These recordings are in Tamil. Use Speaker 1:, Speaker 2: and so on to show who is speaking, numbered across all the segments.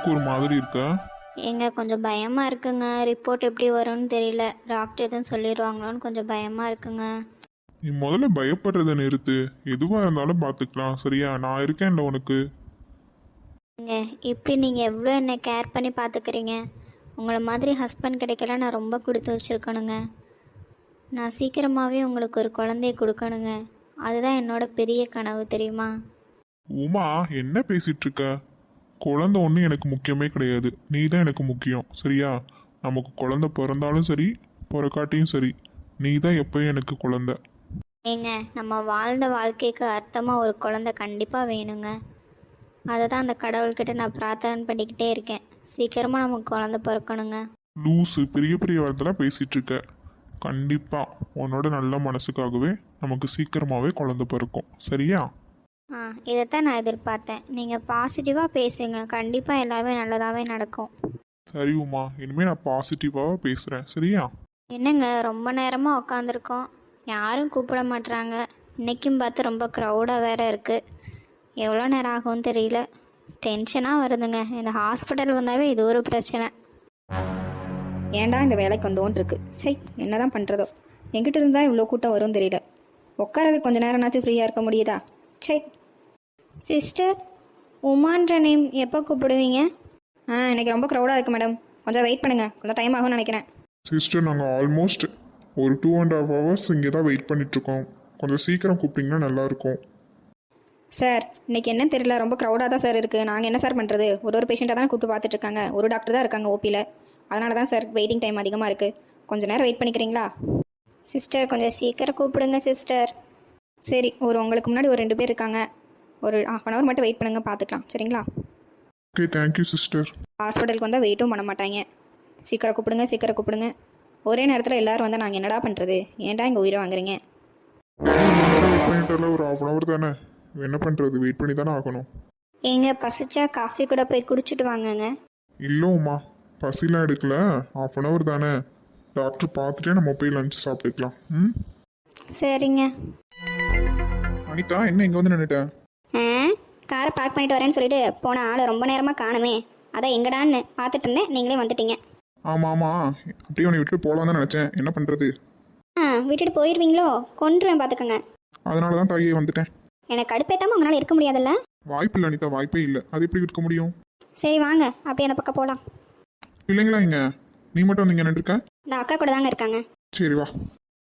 Speaker 1: எதுக்கு ஒரு மாதிரி இருக்க?
Speaker 2: ஏங்க கொஞ்சம் பயமாக இருக்குங்க. ரிப்போர்ட் எப்படி வரும்னு தெரியல. டாக்டர் எதுவும் சொல்லிடுவாங்களோன்னு கொஞ்சம் பயமாக இருக்குங்க.
Speaker 1: நீ முதல்ல பயப்படுறத நிறுத்து. எதுவாக இருந்தாலும் பார்த்துக்கலாம், சரியா? நான் இருக்கேன்ல உனக்கு.
Speaker 2: ஏங்க இப்படி நீங்கள் எவ்வளோ என்னை கேர் பண்ணி பார்த்துக்கிறீங்க. உங்களை மாதிரி ஹஸ்பண்ட் கிடைக்கல நான் ரொம்ப கொடுத்து வச்சுருக்கணுங்க. நான் சீக்கிரமாகவே உங்களுக்கு ஒரு குழந்தைய கொடுக்கணுங்க. அதுதான் என்னோட பெரிய கனவு, தெரியுமா?
Speaker 1: உமா, என்ன பேசிட்டு இருக்க? குழந்தை ஒன்றும் எனக்கு முக்கியமே கிடையாது. நீ தான் எனக்கு முக்கியம், சரியா? நமக்கு குழந்தை பிறந்தாலும் சரி, பிறக்காட்டியும் சரி, நீ தான் எப்பயும் எனக்கு குழந்தை.
Speaker 2: ஏங்க நம்ம வாழ்ந்த வாழ்க்கைக்கு அர்த்தமாக ஒரு குழந்தை கண்டிப்பாக வேணுங்க. அதை தான் அந்த கடவுள்கிட்ட நான் பிரார்த்தனை பண்ணிக்கிட்டே இருக்கேன். சீக்கிரமாக நமக்கு குழந்தை பிறக்கணுங்க.
Speaker 1: லூஸு, பெரிய பெரிய வார்த்தைலாம் பேசிட்டு இருக்க. கண்டிப்பா உன்னோட நல்ல மனசுக்காகவே நமக்கு சீக்கிரமாகவே குழந்தை பிறக்கும், சரியா?
Speaker 2: இதைத்தான் நான் எதிர்பார்த்தேன். நீங்கள் பாசிட்டிவாக பேசுங்க. கண்டிப்பாக எல்லாமே நல்லதாகவே நடக்கும்.
Speaker 1: சரி உமா, இனிமேல் நான் பாசிட்டிவாக பேசுகிறேன், சரியா?
Speaker 2: என்னங்க ரொம்ப நேரமாக உட்காந்துருக்கோம், யாரும் கூப்பிட மாட்றாங்க. இன்றைக்கும் பார்த்து ரொம்ப க்ரௌடாக வேறு இருக்குது. எவ்வளோ நேரம் ஆகும்னு தெரியல. டென்ஷனாக வருதுங்க. இந்த ஹாஸ்பிட்டல் வந்தாவே இது ஒரு பிரச்சனை.
Speaker 3: ஏன்டா இந்த வேலைக்கு வந்தோன்னு இருக்கு. சரி, என்ன தான் பண்ணுறதோ. எங்கிட்ட இருந்தால் இவ்வளோ கூட்டம் வரும்னு தெரியல. உட்காரது கொஞ்சம் நேரம்னாச்சும் ஃப்ரீயாக இருக்க முடியுதா? சரி.
Speaker 2: சிஸ்டர், உமான்ற நேம் எப்போ கூப்பிடுவீங்க?
Speaker 3: இன்னைக்கு ரொம்ப க்ரௌடாக இருக்குது மேடம். கொஞ்சம் வெயிட் பண்ணுங்கள், கொஞ்சம் டைம் ஆகும்னு நினைக்கிறேன்.
Speaker 1: சிஸ்டர், நாங்கள் ஆல்மோஸ்ட் ஒரு 2.5 hours இங்கே தான் வெயிட் பண்ணிகிட்ருக்கோம். கொஞ்சம் சீக்கிரம் கூப்பிட்டிங்கன்னா நல்லாயிருக்கும்.
Speaker 3: சார், இன்னைக்கு என்னன்னு தெரியல, ரொம்ப க்ரௌடாக தான் சார் இருக்குது. நாங்கள் என்ன சார் பண்ணுறது? ஒரு பேஷண்ட்டாக தான் கூப்பிட்டு பார்த்துட்ருக்காங்க. ஒரு டாக்டர் தான் இருக்காங்க ஓபியில். அதனால தான் சார் வெயிட்டிங் டைம் அதிகமாக இருக்குது. கொஞ்சம் நேரம் வெயிட் பண்ணிக்கிறீங்களா?
Speaker 2: சிஸ்டர் கொஞ்சம் சீக்கிரம் கூப்பிடுங்க சிஸ்டர்.
Speaker 3: சரி, உங்களுக்கு முன்னாடி ஒரு 2 பேர் இருக்காங்க. ஒரு 1/2 hour மட்டும் வெயிட் பண்ணுங்கள், பார்த்துக்கலாம், சரிங்களா?
Speaker 1: Okay, thank you sister.
Speaker 3: ஹாஸ்பிட்டலுக்கு வந்தால் வெயிட்டும் பண்ண மாட்டாங்க. சீக்கிரம் கூப்பிடுங்க, சீக்கிரம் கூப்பிடுங்க. ஒரே நேரத்தில் எல்லோரும் வந்தால் நாங்கள் என்னடா பண்ணுறது? ஏன்டா இங்கே உயிரை வாங்குறீங்க?
Speaker 1: வெயிட் பண்ணிட்டால ஒரு 1/2 hour தானே, என்ன பண்ணுறது? வெயிட் பண்ணி தானே ஆகணும்.
Speaker 2: எங்க பசிச்சா காஃபி கூட போய் குடிச்சிட்டு வாங்கங்க.
Speaker 1: இல்லைம்மா, பசிலாம் எடுக்கல. 1/2 hour தானே, டாக்டர் பார்த்துட்டே நம்ம போய் லஞ்ச் சாப்பிட்டுக்கலாம். ம்,
Speaker 2: சரிங்க.
Speaker 1: அனிதா, என்ன இங்கே வந்து நின்றுட்டேன்?
Speaker 2: காரை பார்க் பண்ணிட்டு வரேன்னு சொல்லிட்டு போன ஆள் ரொம்ப நேரமாக காணுமே. அதான் எங்கடான்னு பார்த்துட்டு இருந்தேன், நீங்களே வந்துட்டீங்க.
Speaker 1: ஆமாம், அப்படியே உன்னை விட்டுட்டு போகலாம் தான் நினச்சேன். என்ன பண்ணுறது?
Speaker 2: விட்டுட்டு போயிடுவீங்களோ? கொன்றுவேன் பார்த்துக்கோங்க.
Speaker 1: அதனால தான் தாயே வந்துட்டேன்.
Speaker 2: எனக்கு கடுப்பேத்தாமல் உங்களால் இருக்க முடியாதுல்ல?
Speaker 1: வாய்ப்பு இல்லை அனிதா, வாய்ப்பே இல்லை. அது எப்படி இருக்க முடியும்?
Speaker 2: சரி வாங்க, அப்படியே அந்த பக்கம் போகலாம்.
Speaker 1: இல்லைங்களா, இங்கே நீ மட்டும் வந்து இங்கே நின்றுருக்க?
Speaker 2: இந்த அக்கா கூட தாங்க இருக்காங்க.
Speaker 1: சரி வா.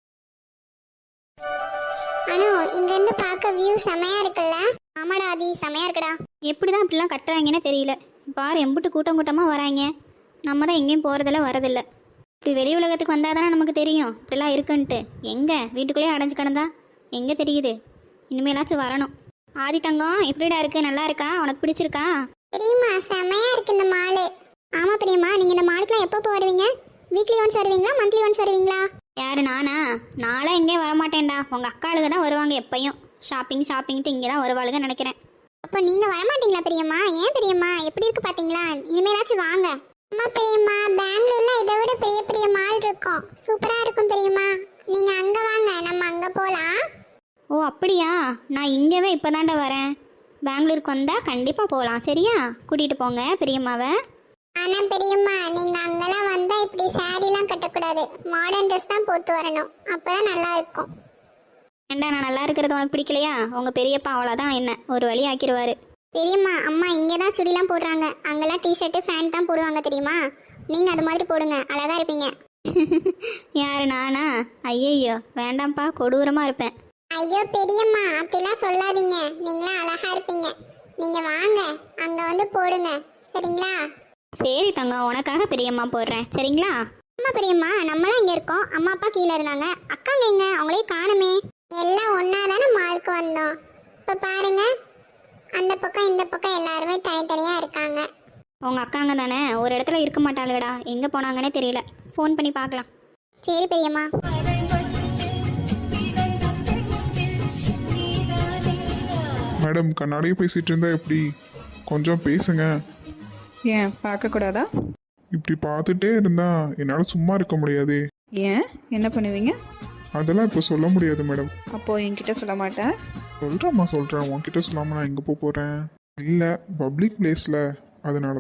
Speaker 4: அனு, இங்க இருந்து பார்க்க வியூ செமையா இருக்குல்ல? ஆமாடா ஆதி, செமையா இருக்குடா.
Speaker 2: எப்படிதான் இப்படிலாம் கட்டுறாங்கன்னே தெரியல. பாரு, எம்புட்டு கூட்டம் கூட்டமாக வராங்க. நம்ம தான் எங்கேயும் போகிறதில்ல, வரதில்லை. இப்படி வெளி உலகத்துக்கு வந்தால் தானே நமக்கு தெரியும் இப்படிலாம் இருக்குன்ட்டு. எங்கே வீட்டுக்குள்ளேயே அடைஞ்சு கிடந்தா எங்கே தெரியுது? இனிமேலாச்சும் வரணும். ஆதி தங்கம், எப்படிடா இருக்கு? நல்லா இருக்கா? உனக்கு பிடிச்சிருக்கா?
Speaker 4: பிரியமா, செமையா இருக்கு இந்த மாலு. ஆமா பிரியமா, நீங்க இந்த மாலுக்குலாம் எப்போ வருவீங்க? வீக்லி ஒன்ஸ் வருவீங்களா, மந்த்லி ஒன்ஸ் வருவீங்களா?
Speaker 2: யாரு, நானா? நாளாக எங்கேயும் வரமாட்டேன்டா. உங்கள் அக்காளுங்க தான் வருவாங்க எப்பயும். ஷாப்பிங்ட்டு இங்கே தான் வருவாளுங்க நினைக்கிறேன்.
Speaker 4: அப்போ நீங்க வரமாட்டீங்களா பிரியம்மா? ஏன் பிரியம்மா, எப்படி இருக்கு பாத்தீங்களா? இனிமேலாச்சும் வாங்க. அம்மா பிரியம்மா, பெங்களூர்ல இதை விட பெரிய பெரிய மால் இருக்கும், சூப்பரா இருக்கும் பிரியம்மா. நீங்க அங்க வாங்க, நம்ம அங்க போலாம்.
Speaker 2: ஓ அப்படியா? நான் இங்கேவே இப்போ தாண்டா வரேன். பெங்களூருக்கு வந்தால் கண்டிப்பாக போகலாம், சரியா? கூட்டிகிட்டு போங்க பெரியம்மாவை.
Speaker 4: ஆனா பெரியம்மா, நீங்க அங்கெல்லாம் வந்தா இப்படி சாரிலாம் கட்டக்கூடாது, மாடர்ன் ட்ரெஸ் தான் போட்டு வரணும், அப்பதான் நல்லா இருக்கும்.
Speaker 2: ஏண்டா, நான் நல்லா இருக்கிறது உனக்கு பிடிக்கலையா? உங்கள் பெரியப்பா அவ்வளோதான் என்ன ஒரு வழி ஆக்கிடுவார்.
Speaker 4: பெரியம்மா, அம்மா இங்கே தான் சுடிலாம் போடுறாங்க, அங்கெல்லாம் டிஷர்ட்டு ஃபேண்ட் தான் போடுவாங்க தெரியுமா? நீங்கள் அது மாதிரி போடுங்க, அழகா இருப்பீங்க.
Speaker 2: யாரு, நானா? ஐயையோ வேண்டாம்ப்பா, கொடூரமாக இருப்பேன்.
Speaker 4: ஐயோ பெரியம்மா, அப்படிலாம் சொல்லாதீங்க, நீங்களாம் அழகா இருப்பீங்க. நீங்கள் வாங்க, அங்கே வந்து போடுங்க, சரிங்களா?
Speaker 2: சரி தங்கம், உனக்காக பெரியம்மா போடுறேன், சரிங்களா?
Speaker 4: அம்மா பெரியம்மா, நம்மளாம் இங்கே இருக்கோம், அம்மா அப்பா கீழே இருந்தாங்க, அக்காங்க எங்க? அவங்களே காணுமே. எல்லாம் ஒன்றா தானே மாலுக்கு வந்தோம். இப்போ பாருங்க, அந்த பக்கம் இந்த பக்கம் எல்லாருமே தனித்தனியாக இருக்காங்க.
Speaker 2: உங்கள் அக்காங்க தானே, ஒரு இடத்துல இருக்க மாட்டாளுடா. எங்கே போனாங்கன்னே தெரியல. ஃபோன் பண்ணி பார்க்கலாம்.
Speaker 4: சரி பெரியம்மா.
Speaker 1: மேடம், கண்ணாடியே பேசிட்டு இருந்தா எப்படி? கொஞ்சம் பேசுங்க.
Speaker 3: ஏன் பார்க்கக்கூடாதா?
Speaker 1: இப்படி பார்த்துட்டே இருந்தா என்னால் சும்மா இருக்க முடியாது.
Speaker 3: ஏன், என்ன பண்ணுவீங்க?
Speaker 1: அதெல்லாம் இப்போ சொல்ல முடியாது மேடம்.
Speaker 3: அப்போது என்கிட்ட சொல்ல மாட்டேன்?
Speaker 1: சொல்கிறேன், உன்கிட்ட சொல்லாமல் நான் எங்கே போக போகிறேன்? இல்லை, பப்ளிக் பிளேஸில், அதனால தான்.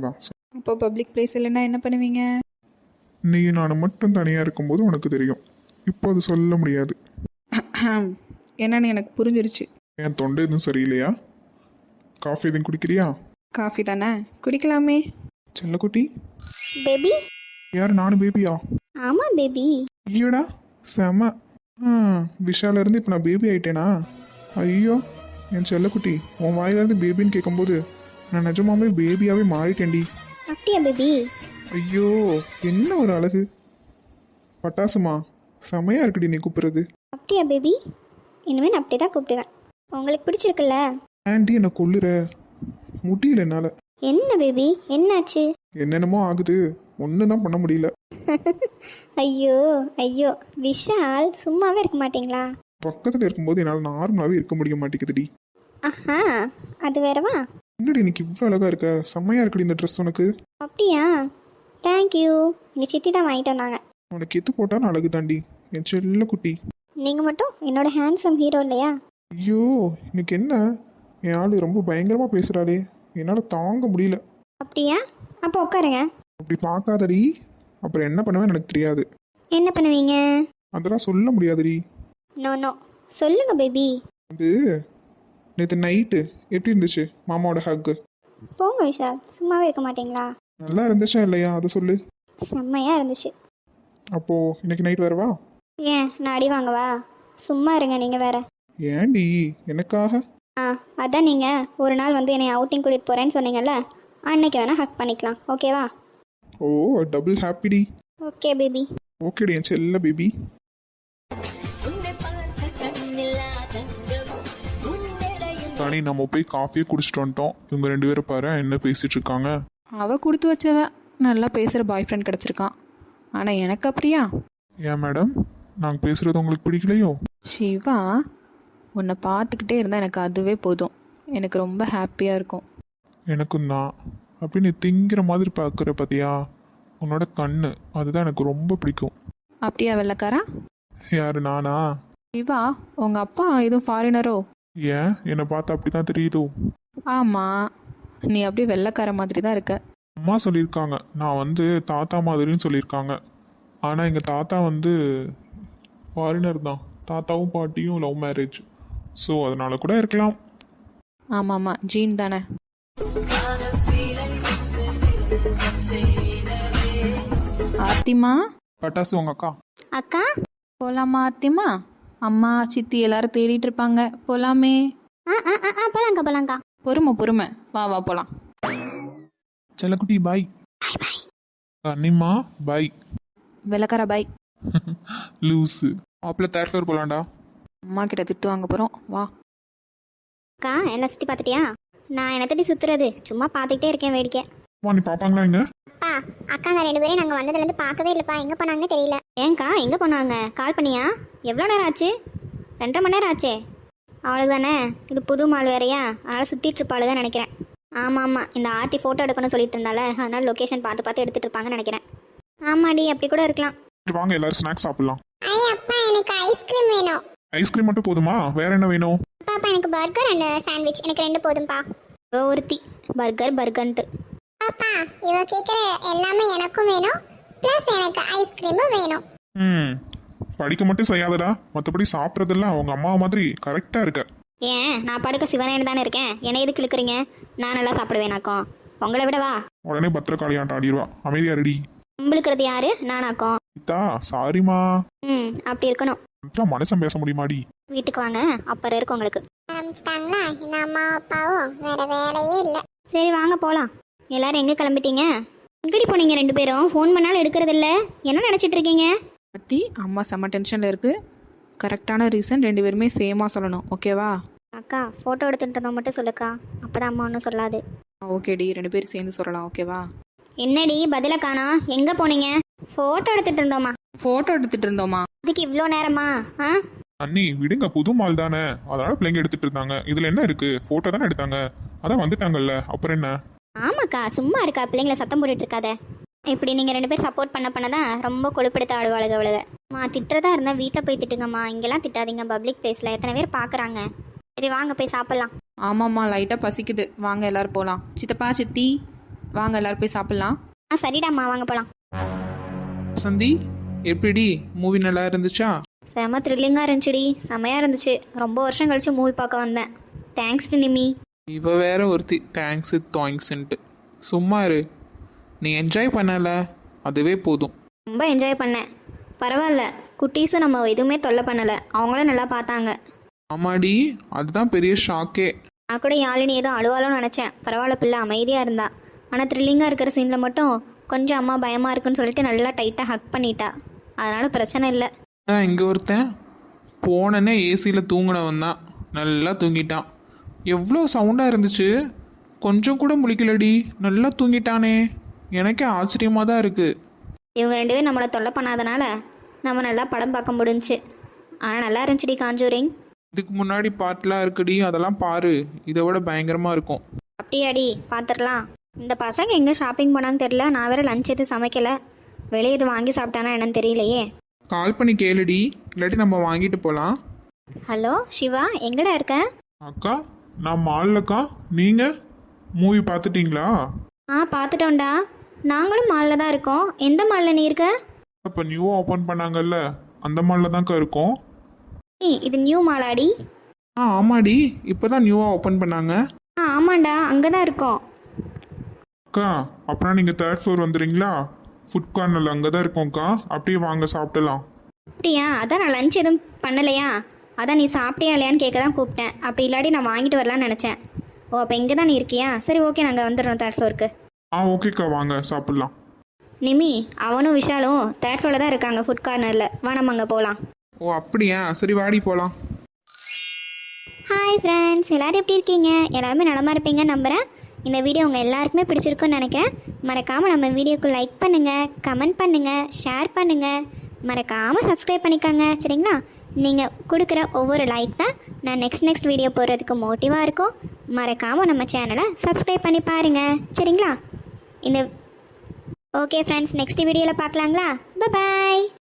Speaker 3: அப்போ பப்ளிக் பிளேஸ் இல்லைன்னா என்ன பண்ணுவீங்க?
Speaker 1: நீ நான் மட்டும் தனியாக இருக்கும்போது உனக்கு தெரியும். இப்போ அது சொல்ல முடியாது.
Speaker 3: என்னன்னு எனக்கு புரிஞ்சிருச்சு.
Speaker 1: என் தொண்டை எதுவும் சரியில்லையா? காஃபி எதுவும் குடிக்கிறியா?
Speaker 3: காஃபி தானே, குடிக்கலாமே.
Speaker 1: செல்லக்குட்டி,
Speaker 2: பேபி.
Speaker 1: யார் நானும் பேபியா?
Speaker 2: ஆமாம் பேபி.
Speaker 1: ஐயோடா செம. விஷாலேருந்து இப்போ நான் பேபி ஆயிட்டேனா? ஐயோ என் செல்லக்குட்டி, உன் வாயிலேருந்து பேபின்னு கேட்கும்போது நான் நிஜமாவே பேபியாகவே மாறிட்டேன்டி.
Speaker 2: அப்படியா பேபி?
Speaker 1: ஐயோ என்ன ஒரு அழகு. பட்டாசுமா செமையா இருக்குடி நீ கூப்பிடுறது.
Speaker 2: அப்படியா பேபி? இனிமேல் நான் அப்படி தான் கூப்பிடுவேன். உங்களுக்கு பிடிச்சிருக்குல்ல?
Speaker 1: ஆண்டி என்னை கொல்லுற, முடியல என்னால்.
Speaker 2: என்ன பேபி, என்னாச்சு?
Speaker 1: என்னென்னமோ ஆகுது, ஒன்றும் தான் பண்ண முடியல.
Speaker 2: ஐயோ ஐயோ, விஷால் சும்மாவே இருக்க மாட்டீங்களா?
Speaker 1: பக்கத்தில் இருக்கும்போது என்னால் நார்மலாகவே இருக்க முடிய மாட்டேங்குதுடி.
Speaker 2: ஆஹா, அது வேறவா?
Speaker 1: என்னடி இன்னைக்கு இவ்வளோ அழகா இருக்க, செம்மையா இருக்குடி இந்த ட்ரெஸ் உனக்கு.
Speaker 2: அப்படியா? தேங்க்யூ. எங்கள் சித்தி தான் வாங்கிட்டு வந்தாங்க.
Speaker 1: உனக்கு எது போட்டாலும் அழகு தாண்டி என் செல்ல குட்டி.
Speaker 2: நீங்கள் மட்டும் என்னோட ஹேண்ட்ஸம் ஹீரோ இல்லையா?
Speaker 1: ஐயோ இன்னைக்கு என்ன, என் ஆளு ரொம்ப பயங்கரமாக பேசுகிறாளே, என்னால் தாங்க முடியல.
Speaker 2: அப்படியா? அப்போ உட்காருங்க.
Speaker 1: அப்படி பார்க்காதடி, அப்புறம் என்ன பண்ணுவேன்னு எனக்கு தெரியாது.
Speaker 2: என்ன பண்ணுவீங்க?
Speaker 1: அதெல்லாம் சொல்ல முடியாதுடி.
Speaker 2: நோ நோ, சொல்லுங்க பேபி.
Speaker 1: அது நேற்று நைட்டு எப்படி இருந்துச்சு மாமாவோட ஹக்கு?
Speaker 2: போங்க விஷால், சும்மாவே இருக்க மாட்டீங்களா?
Speaker 1: நல்லா இருந்துச்சா இல்லையா அதை சொல்லு.
Speaker 2: செம்மையாக இருந்துச்சு.
Speaker 1: அப்போது இன்னைக்கு நைட் வரவா?
Speaker 2: ஏன் நான் அடி வாங்கவா? சும்மா இருங்க நீங்கள் வேற.
Speaker 1: ஏண்டி எனக்காக?
Speaker 2: அதான் நீங்கள் ஒரு நாள் வந்து என்னை அவுட்டிங் கூட்டிகிட்டு போகிறேன்னு சொன்னீங்கல்ல, அன்னைக்கு வேணால் ஹக் பண்ணிக்கலாம், ஓகேவா?
Speaker 1: ஓ டபுள் ஹாப்பிடி.
Speaker 2: Okay baby.
Speaker 1: ஓகேடி என் செல்ல பேபி. தனி நம்ம போய் காஃபியே குடிச்சிட்டு வந்துட்டோம். இவங்க ரெண்டு பேரும் பாரு என்ன பேசிட்டு இருக்காங்க.
Speaker 3: அவள் கொடுத்து வச்சவ, நல்லா பேசுகிற பாய் ஃப்ரெண்ட் கிடச்சிருக்கான். ஆனால் எனக்கு அப்படியா?
Speaker 1: ஏன் மேடம், நாங்கள் பேசுகிறது உங்களுக்கு பிடிக்கலையோ?
Speaker 3: சிவா, உன்னை பார்த்துக்கிட்டே இருந்தால் எனக்கு அதுவே போதும். எனக்கு ரொம்ப ஹாப்பியாக இருக்கும்.
Speaker 1: எனக்கும் தான். அப்படி நீ திங்கிற மாதிரி பார்க்குற பார்த்தியா, உன்னோட கண்ணு அதுதான் எனக்கு ரொம்ப பிடிக்கும்.
Speaker 3: அப்படியா வெள்ளைக்காரா?
Speaker 1: யாரு நானா?
Speaker 3: சிவா, உங்கள் அப்பா எதுவும் ஃபாரினரோ?
Speaker 1: ஏன் என்னை பார்த்தா அப்படி தான் தெரியுதோ?
Speaker 3: ஆமாம், நீ அப்படியே வெள்ளைக்கார மாதிரி தான் இருக்க.
Speaker 1: அம்மா சொல்லியிருக்காங்க நான் வந்து தாத்தா மாதிரின்னு சொல்லியிருக்காங்க. ஆனால் எங்கள் தாத்தா வந்து ஃபாரினர் தான். தாத்தாவும் பாட்டியும் லவ் மேரேஜ். ஸோ அதனால கூட இருக்கலாம்.
Speaker 3: ஆமாம் ஆமாம், ஜீன் தானே. ஆர்த்திமா,
Speaker 1: பட்டாசு உங்க அக்கா.
Speaker 2: அக்கா.
Speaker 3: போகலாமா ஆர்த்திமா? அம்மா சித்தி எல்லாரும் தேடிட்டு இருப்பாங்க, போகலாமே.
Speaker 2: போலாங்க்கா போலாங்க்கா.
Speaker 3: பொறுமை, வா வா போகலாம்.
Speaker 1: செல்லக்குட்டி பாய். கன்னிம்மா பாய்.
Speaker 3: வெள்ளக்கார பாய்.
Speaker 1: லூஸு. மாப்பிள்ள தேர்ட் ஃப்ளோர் போலாம்டா.
Speaker 3: அம்மா கிட்ட திட்டு வாங்க போகிறோம், வா.
Speaker 2: அக்கா, என்ன சுற்றி பார்த்துட்டியா? நான் என்ன தட்டி சுற்றுறது, சும்மா பார்த்துக்கிட்டே இருக்கேன் வேடிக்கை.
Speaker 1: அம்மா நீ பார்ப்பாங்களா இங்க?
Speaker 4: அப்பா அக்காங்க ரெண்டு பேரும் நாங்கள் வந்ததுலேருந்து பார்க்கவே இல்லைப்பா, எங்கே போனாங்கன்னு தெரியல.
Speaker 2: ஏங்க்கா, எங்கே போனாங்க? கால் பண்ணியா? எவ்வளோ நேரம் ஆச்சு? 2.5 மணி நேரம் ஆச்சே. அவளுக்கு தானே, இது புது மால் வேறையா, அதனால் சுற்றிட்டு இருப்பாளுதான் நினைக்கிறேன். ஆமாம், இந்த ஆர்த்தி ஃபோட்டோ எடுக்கணும்னு சொல்லிட்டு இருந்தால, அதனால் லொக்கேஷன் பார்த்து எடுத்துகிட்டு இருப்பாங்கன்னு நினைக்கிறேன். ஆமாடி, அப்படி கூட இருக்கலாம்.
Speaker 1: சரி, வாங்க எல்லாரும் ஸ்நாக்ஸ் சாப்பிடலாம்.
Speaker 4: ஐய் அப்பா, எனக்கு ஐஸ்கிரீம் வேணும்.
Speaker 1: ஐஸ்கிரீம் மட்டும் போதுமா, வேற என்ன வேணும்?
Speaker 4: பாப்பா எனக்கு பர்கர் அண்ட் சாண்ட்விச், எனக்கு 2 போதும்பா.
Speaker 2: ஒருத்தி பர்கர்ன்ட்டு.
Speaker 4: பாப்பா இவ கேட்குற எல்லாமே எனக்கும் வேணும், ப்ளஸ் எனக்கு ஐஸ்கிரீமும் வேணும்.
Speaker 1: படிக்க மட்டும் செய்யாதடா, மற்றபடி சாப்பிட்றதெல்லாம் அவங்க அம்மா மாதிரி கரெக்டாக இருக்க.
Speaker 2: ஏன் நான் படுக்க சிவனேன்னு தானே இருக்கேன், என்னை எதுக்கு இழுக்கிறீங்க? நான் நல்லா சாப்பிடுவேனாக்கும், உங்களை விடவா?
Speaker 1: உடனே பத்திரக்காளியாட்ட ஆடிடுவா. அமைதியா ரெடி.
Speaker 2: உங்களுக்கிறது யாரு? நானாக்கும்.
Speaker 1: இதா சாரிமா.
Speaker 2: அப்படி இருக்கணும்.
Speaker 1: மனுஷன் பேச முடியுமாடி?
Speaker 2: வீட்டுக்கு வாங்க, அப்புறம் இருக்கு உங்களுக்கு.
Speaker 4: ஆரம்பிச்சிட்டாங்களா இந்த அம்மா அப்பாவும், வேற வேலையே இல்லை.
Speaker 2: சரி வாங்க போகலாம். எல்லாரும் எங்கே கிளம்பிட்டீங்க? எங்கடி போனீங்க 2 பேரும்? ஃபோன் பண்ணாலும் எடுக்கிறது இல்லை, என்ன நினச்சிட்டு இருக்கீங்க?
Speaker 3: பத்தி அம்மா செம்ம டென்ஷனில் இருக்குது. கரெக்டான ரீசன் 2 பேருமே சேமாக சொல்லணும், ஓகேவா?
Speaker 2: அக்கா, ஃபோட்டோ எடுத்துட்டு இருந்தோம் மட்டும் சொல்லுக்கா, அப்போ தான் அம்மா ஒன்றும் சொல்லாது.
Speaker 3: ஓகேடி, 2 பேரும் சேர்ந்து சொல்லலாம், ஓகேவா?
Speaker 2: என்னடி பதில காணா, எங்கே போனீங்க? ஃபோட்டோ எடுத்துட்டு இருந்தோமா?
Speaker 3: ஃபோட்டோ எடுத்துகிட்டு இருந்தோமா?
Speaker 2: அதுக்கு இவ்வளோ நேரமா?
Speaker 1: அண்ணி விடுங்க, புது மால் தானே, அதனால பிள்ளைங்க எடுத்துட்டு இருந்தாங்க. இதுல என்ன இருக்கு, போட்டோ தானே எடுத்தாங்க, அதான் வந்துட்டாங்கல்ல, அப்புறம் என்ன?
Speaker 2: ஆமாக்கா, சும்மா இருக்கா, பிள்ளைங்களை சத்தம் போட்டுட்டு இருக்காத. இப்படி நீங்கள் 2 பேர் சப்போர்ட் பண்ணதான் ரொம்ப கொழுப்படுத்த ஆடுவாளுங்க அவளுக. திட்டுறதா இருந்தால் வீட்டில் போய் திட்டுங்கம்மா, இங்கெல்லாம் திட்டாதீங்க, பப்ளிக் பிளேஸில் எத்தனை பேர் பார்க்குறாங்க. சரி வாங்க போய் சாப்பிட்லாம்.
Speaker 3: ஆமாம்மா, லைட்டாக பசிக்குது, வாங்க எல்லோரும் போகலாம். சித்தப்பா சித்தி வாங்க எல்லாரும் போய் சாப்பிட்லாம்.
Speaker 2: சரிடாம்மா வாங்க போகலாம்.
Speaker 5: சந்தி, எப்படி மூவி நல்லா இருந்துச்சா?
Speaker 2: செம த்ரில்லிங்காக இருந்துச்சுடி, செமையாக இருந்துச்சு. ரொம்ப வருஷம் கழிச்சு மூவி பார்க்க வந்தேன். Thanks to Nimi.
Speaker 5: இவ வேற ஒருத்தி தேங்க்ஸ்ன்ட்டு. சும்மா இரு, நீ என்ஜாய் பண்ணல அதுவே போதும்.
Speaker 2: ரொம்ப என்ஜாய் பண்ணேன். பரவாயில்ல, குட்டீஸும் நம்ம எதுவுமே தொல்லை பண்ணலை, அவங்களும் நல்லா பார்த்தாங்க.
Speaker 5: ஆமாடி, அதுதான் பெரிய ஷாக்கே.
Speaker 2: நான் கூட யாழினி ஏதோ அழுவாலும் நினச்சேன். பரவாயில்ல, பிள்ளை அமைதியாக இருந்தா. ஆனால் த்ரில்லிங்காக இருக்கிற சீனில் மட்டும் கொஞ்சம் அம்மா பயமாக இருக்குன்னு சொல்லிட்டு நல்லா டைட்டாக ஹக் பண்ணிட்டா. அதனால் பிரச்சனை இல்லை.
Speaker 5: இங்கே ஒருத்தன் போனனே ஏசியில் தூங்கினவன் தான், நல்லா தூங்கிட்டான். எவ்வளோ சவுண்டாக இருந்துச்சு, கொஞ்சம் கூட முழிக்கலடி, நல்லா தூங்கிட்டானே. எனக்கே ஆச்சரியமாக தான் இருக்குது.
Speaker 2: இவங்க 2 பேரும் நம்மளை தொல்லை பண்ணாதனால நம்ம நல்லா படம் பார்க்க முடிஞ்சுச்சு. ஆனால் நல்லா இருந்துச்சுடி காஞ்சூரிங்.
Speaker 5: இதுக்கு முன்னாடி பாட்டெலாம் இருக்குடி, அதெல்லாம் பாரு, இதை விட பயங்கரமாக இருக்கும்.
Speaker 2: அப்படியாடி, பார்த்துடலாம். இந்த பசங்க எங்கே ஷாப்பிங் போனான்னு தெரியல. நான் வேறு லஞ்ச் எதுவும் சமைக்கலை. வெளியே எதுவும் வாங்கி சாப்பிட்டானா என்னன்னு தெரியலையே.
Speaker 5: கால் பண்ணி கேளுடி, இல்லாட்டி நம்ம வாங்கிட்டு போகலாம்.
Speaker 2: ஹலோ சிவா, எங்கடா இருக்க?
Speaker 1: அக்கா, நான் மால்லக்கா. நீங்கள் மூவி பார்த்துட்டீங்களா?
Speaker 2: பார்த்துட்டோம்டா. நாங்களும் மாலில் தான் இருக்கோம். எந்த மாலில் நீ இருக்க?
Speaker 1: இப்போ நியூவாக ஓப்பன் பண்ணாங்கல்ல, அந்த மாலில் தான்க்கா இருக்கோம்.
Speaker 2: இது நியூ மாலாடி?
Speaker 5: ஆமாடி, இப்போ தான் நியூவாக ஓப்பன் பண்ணாங்க.
Speaker 2: ஆமாண்டா, அங்கே தான் இருக்கோம்.
Speaker 1: அக்கா, அப்புறம் நீங்கள் 3rd floor வந்துடுறீங்களா? ஃபுட் கார்னரில் அங்கே தான் இருக்கோம்க்கா. அப்படியே வாங்க சாப்பிடலாம்.
Speaker 2: அப்படியா? அதான் நான் லஞ்ச் எதுவும் பண்ணலையா, அதான் நீ சாப்பிட்டியா இல்லையான்னு கேட்க தான் கூப்பிட்டேன். அப்படி இல்லாட்டி நான் வாங்கிட்டு வரலான்னு நினச்சேன். ஓ, அப்போ இங்கே தான் நீ இருக்கியா? சரி, ஓகே, நாங்கள் வந்துடுறோம் 3rd floorக்கு.
Speaker 1: ஓகேக்கா, வாங்க சாப்பிட்லாம்.
Speaker 2: நிமி, அவனும் விஷாலும் 3rd floorல தான் இருக்காங்க, ஃபுட் கார்னரில். வா, நம்ம அங்கே போகலாம்.
Speaker 5: ஓ அப்படியா, சரி வாடி போகலாம்.
Speaker 2: ஹாய் ஃப்ரெண்ட்ஸ், எல்லோரும் எப்படி இருக்கீங்க? எல்லாருமே நலமாக இருப்பீங்கன்னு நம்புகிறேன். இந்த வீடியோ உங்கள் எல்லாருக்குமே பிடிச்சிருக்குன்னு நினைக்கிறேன். மறக்காமல் நம்ம வீடியோக்கு லைக் பண்ணுங்கள், கமெண்ட் பண்ணுங்கள், ஷேர் பண்ணுங்கள், மறக்காமல் சப்ஸ்கிரைப் பண்ணிக்கோங்க. சரிங்களா? நீங்கள் கொடுக்குற ஒவ்வொரு லைக் தான் நான் நெக்ஸ்ட் வீடியோ போடுறதுக்கு மோட்டிவாக இருக்கும். மறக்காமல் நம்ம சேனலை சப்ஸ்கிரைப் பண்ணி பாருங்கள். சரிங்களா? ஓகே ஃப்ரெண்ட்ஸ், நெக்ஸ்ட் வீடியோவில் பார்க்கலாங்களா? பாய்.